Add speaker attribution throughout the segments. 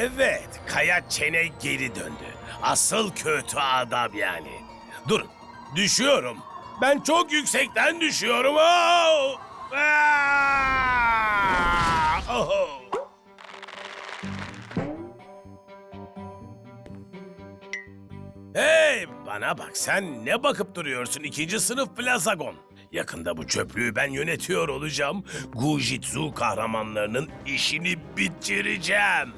Speaker 1: Evet, Kaya Çene geri döndü. Asıl kötü adam yani. Durun, düşüyorum. Ben çok yüksekten düşüyorum. Oh! Ah! Oh! Hey, bana bak, sen ne bakıp duruyorsun ikinci sınıf plazagon? Yakında bu çöplüğü ben yönetiyor olacağım. Gujitsu kahramanlarının işini bitireceğim.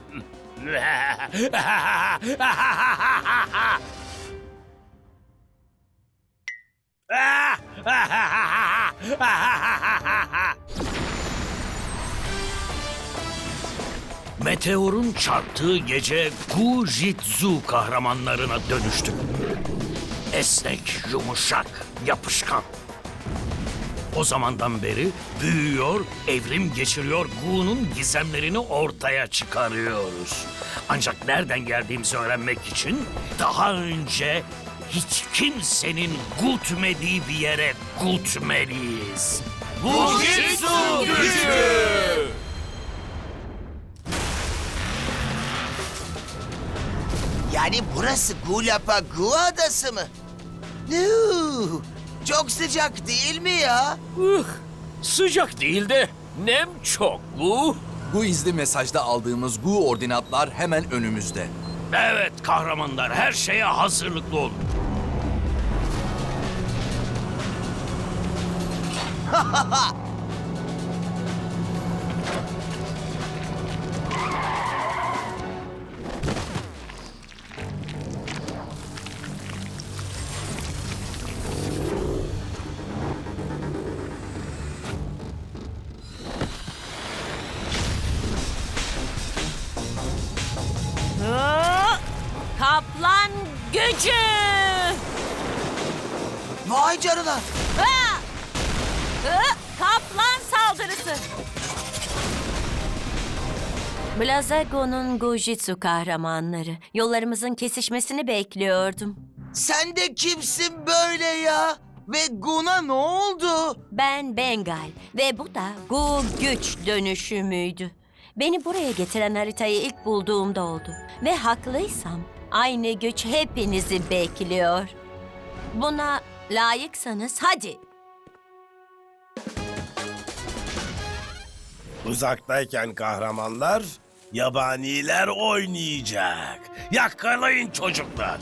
Speaker 2: Meteorun çarptığı gece Gujitsu kahramanlarına dönüştüm. Esnek, yumuşak, yapışkan. O zamandan beri büyüyor, evrim geçiriyor, Gu'nun gizemlerini ortaya çıkarıyoruz. Ancak nereden geldiğimizi öğrenmek için daha önce hiç kimsenin gutmediği bir yere gutmeliyiz. Gujitsu gücü!
Speaker 3: Yani burası Gulapa Gu adası mı? Nuh, çok sıcak değil mi ya?
Speaker 2: Sıcak değil de nem çok Gu.
Speaker 4: Bu izli mesajda aldığımız Gu ordinatlar hemen önümüzde.
Speaker 2: Evet kahramanlar, her şeye hazırlıklı olun.
Speaker 5: Kaplan gücü!
Speaker 3: Vay canına.
Speaker 5: Ha! Kaplan saldırısı! Blazago'nun Gujitsu kahramanları. Yollarımızın kesişmesini bekliyordum.
Speaker 3: Sen de kimsin böyle ya? Ve Gu'na ne oldu?
Speaker 5: Ben Bengal ve bu da Gu güç dönüşümüydü. Beni buraya getiren haritayı ilk bulduğumda oldu. Ve haklıysam aynı güç hepinizi bekliyor. Buna layıksanız hadi.
Speaker 1: Uzaktayken kahramanlar, yabaniler oynayacak. Yakalayın çocuklar.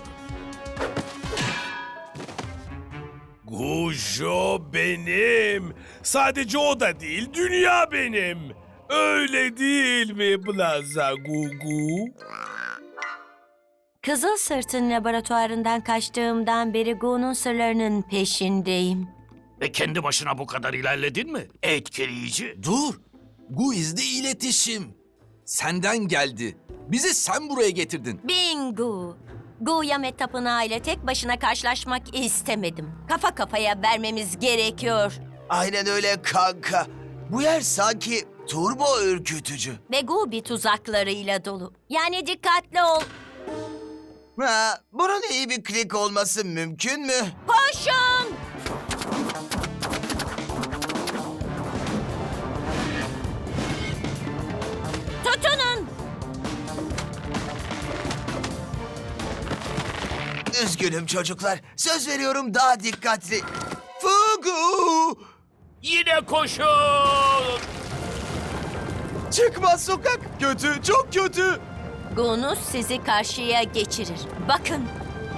Speaker 1: Gujo benim. Sadece o da değil, dünya benim. Öyle değil mi Plaza Gugu?
Speaker 5: Kızıl Sırt'ın laboratuvarından kaçtığımdan beri Gu'nun sırlarının peşindeyim.
Speaker 2: Ve kendi başına bu kadar ilerledin mi? Etkileyici.
Speaker 4: Dur! Gu izli iletişim. Senden geldi. Bizi sen buraya getirdin.
Speaker 5: Bingo! Gu Yamet Tapınağı ile tek başına karşılaşmak istemedim. Kafa kafaya vermemiz gerekiyor.
Speaker 3: Aynen öyle kanka. Bu yer sanki turbo ürkütücü.
Speaker 5: Ve Gu bir tuzaklarıyla dolu. Yani dikkatli ol.
Speaker 3: Ha, bunun iyi bir klik olması mümkün mü?
Speaker 5: Koşun! Tutunun!
Speaker 3: Üzgünüm çocuklar. Söz veriyorum daha dikkatli. Fugu!
Speaker 2: Yine koşun!
Speaker 3: Çıkmaz sokak. Kötü, çok kötü.
Speaker 5: Gu'nuz sizi karşıya geçirir. Bakın.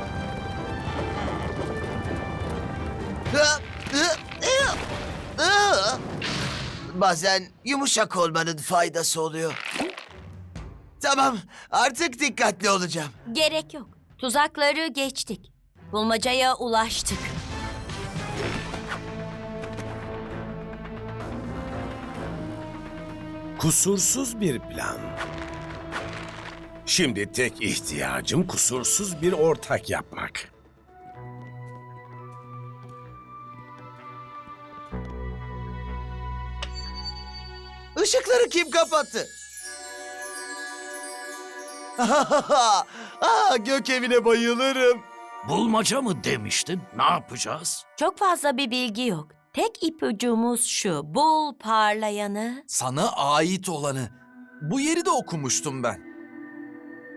Speaker 3: Bazen yumuşak olmanın faydası oluyor. Tamam, artık dikkatli olacağım.
Speaker 5: Gerek yok. Tuzakları geçtik. Bulmacaya ulaştık.
Speaker 1: Kusursuz bir plan. Şimdi tek ihtiyacım kusursuz bir ortak yapmak.
Speaker 3: Işıkları kim kapattı? Gök evine bayılırım.
Speaker 2: Bulmaca mı demiştin? Ne yapacağız?
Speaker 5: Çok fazla bir bilgi yok. Tek ipucumuz şu. Bul parlayanı.
Speaker 4: Sana ait olanı. Bu yeri de okumuştum ben.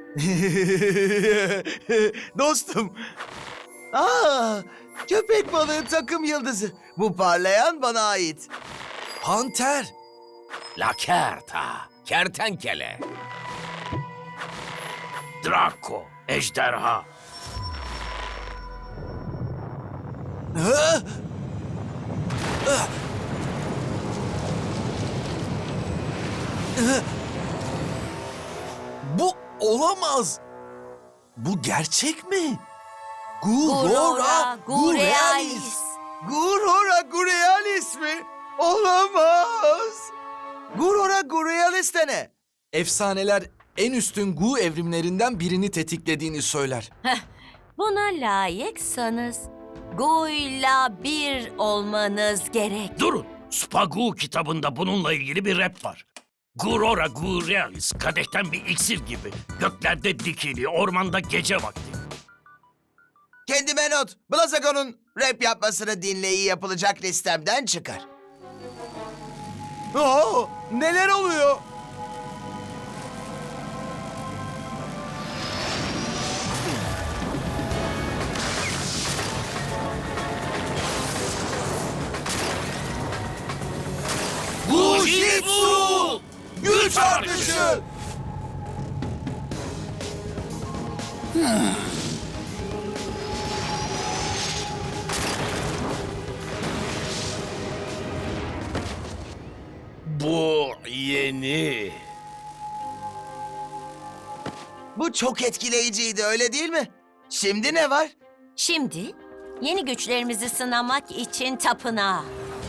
Speaker 3: Dostum. Köpek balığı takım yıldızı. Bu parlayan bana ait.
Speaker 4: Panter.
Speaker 2: Lakerta, kertenkele. Draco, ejderha.
Speaker 4: Hı? Bu olamaz. Bu gerçek mi? Gurora Gurealis.
Speaker 3: Gurora Gurealis mi? Olamaz. Gurora Gurealis de ne?
Speaker 4: Efsaneler en üstün Gu evrimlerinden birini tetiklediğini söyler.
Speaker 5: Buna layıksanız Gu'yla bir olmanız gerek.
Speaker 2: Durun, Spagu kitabında bununla ilgili bir rap var. Gurora Gurealis, kadehten bir iksir gibi. Göklerde dikili, ormanda gece vakti.
Speaker 3: Kendime not. Blazagon'un rap yapmasını dinleyi yapılacak listemden çıkar. Neler oluyor?
Speaker 2: Gujitsu!
Speaker 3: Güç artışı!
Speaker 1: Bu yeni.
Speaker 3: Bu çok etkileyiciydi, öyle değil mi? Şimdi ne var?
Speaker 5: Şimdi yeni güçlerimizi sınamak için tapınağa.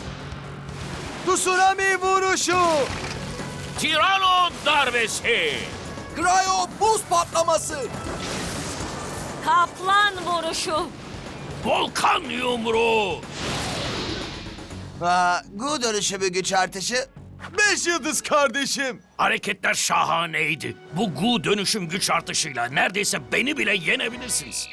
Speaker 3: Tsunami vuruşu!
Speaker 2: Tirano darbesi!
Speaker 4: Cryo buz patlaması.
Speaker 5: Kaplan vuruşu.
Speaker 2: Volkan yumruğu!
Speaker 3: Gu dönüşümü güç artışı. 5 yıldız kardeşim.
Speaker 2: Hareketler şahaneydi. Bu Gu dönüşüm güç artışıyla neredeyse beni bile yenebilirsiniz.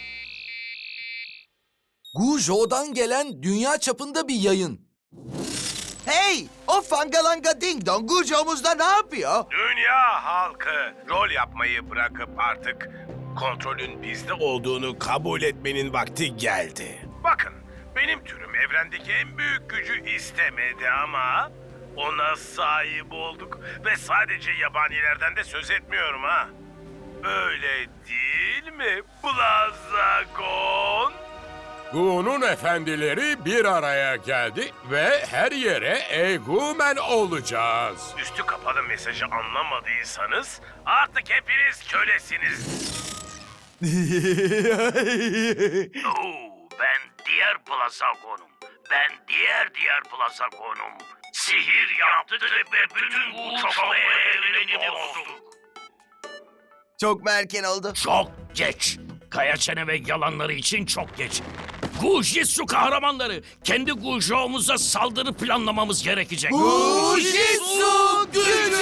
Speaker 4: Gujo'dan gelen dünya çapında bir yayın.
Speaker 3: Hey! O fangalanga ding dong Gujo'muzda ne yapıyor?
Speaker 1: Dünya halkı rol yapmayı bırakıp artık kontrolün bizde olduğunu kabul etmenin vakti geldi. Bakın, benim türüm evrendeki en büyük gücü istemedi ama ona sahip olduk ve sadece yabanilerden de söz etmiyorum ha. Öyle değil mi Blazagon?
Speaker 6: Gu'nun efendileri bir araya geldi ve her yere egumen olacağız.
Speaker 1: Üstü kapalı mesajı anlamadıysanız artık hepiniz kölesiniz.
Speaker 2: Ben diğer Blazagon'um. Ben diğer Blazagon'um. Sihir yaptık ve bütün Gu çoğalma evrenini bozduk.
Speaker 3: Çok mu erken oldu?
Speaker 2: Çok geç. Kaya çene ve yalanları için çok geç. Gujitsu kahramanları, kendi Gujo'muza saldırı planlamamız gerekecek.
Speaker 3: Gujitsu gücü!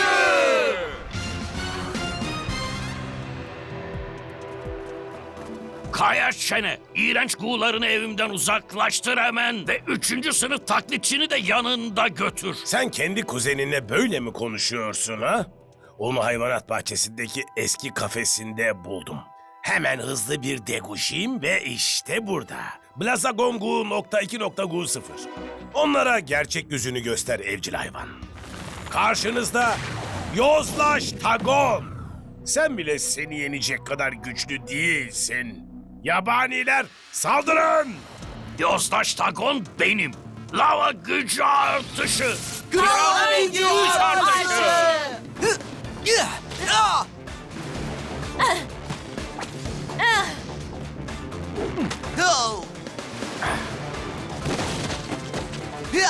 Speaker 2: Kaya çene, iğrenç Gu'larını evimden uzaklaştır hemen ve 3. sınıf taklitçini de yanında götür.
Speaker 1: Sen kendi kuzeninle böyle mi konuşuyorsun ha? Onu hayvanat bahçesindeki eski kafesinde buldum. Hemen hızlı bir deguşayım ve işte burada. Blazagon Gu.2.Gu0. Onlara gerçek yüzünü göster evcil hayvan. Karşınızda Yozlaş Tagon. Sen bile seni yenecek kadar güçlü değilsin. Yabaniler saldırın!
Speaker 2: Yozdaş Tagon benim. Lava gücü artışı.
Speaker 3: Kral gücü artışı! Ho! Hıa!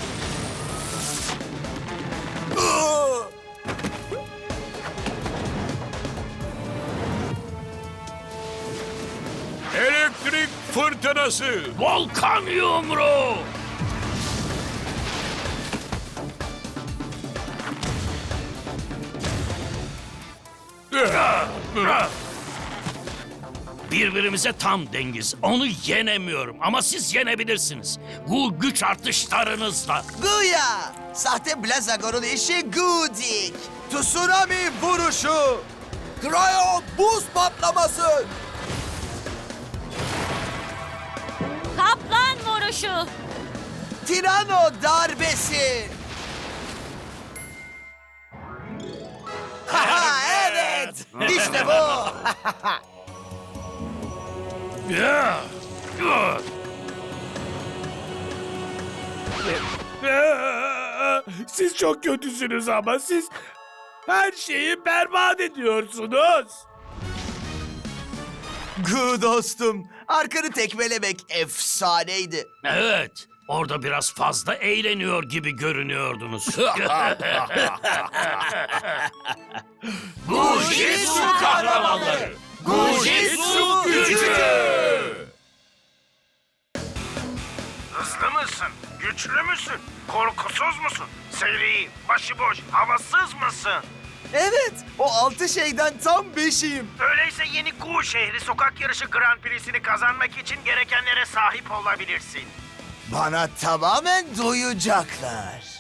Speaker 6: Elektrik fırtınası.
Speaker 2: Volkan yumruğu. Birbirimize tam dengiz. Onu yenemiyorum ama siz yenebilirsiniz. Bu güç artışlarınızla.
Speaker 3: Guya! Sahte Blazagon'un işi Gudik! Tsunami vuruşu!
Speaker 4: Cryo buz patlaması.
Speaker 5: Kaplan vuruşu.
Speaker 3: Tirano darbesi. Haha, evet. İşte bu.
Speaker 1: Siz çok kötüsünüz ama siz her şeyi berbat ediyorsunuz.
Speaker 3: Gu dostum. Arkanı tekmelemek efsaneydi.
Speaker 2: Evet, orada biraz fazla eğleniyor gibi görünüyordunuz.
Speaker 1: Gujitsu kahramanları. Gujitsu gücü.
Speaker 7: Hızlı mısın? Güçlü müsün? Korkusuz musun? Seri, başıboş, havasız mısın?
Speaker 3: Evet, o 6 şeyden tam 5'iyim.
Speaker 7: Öyleyse yeni Gu şehri sokak yarışı Grand Prix'sini kazanmak için gerekenlere sahip olabilirsin.
Speaker 3: Bana tamamen duyacaklar.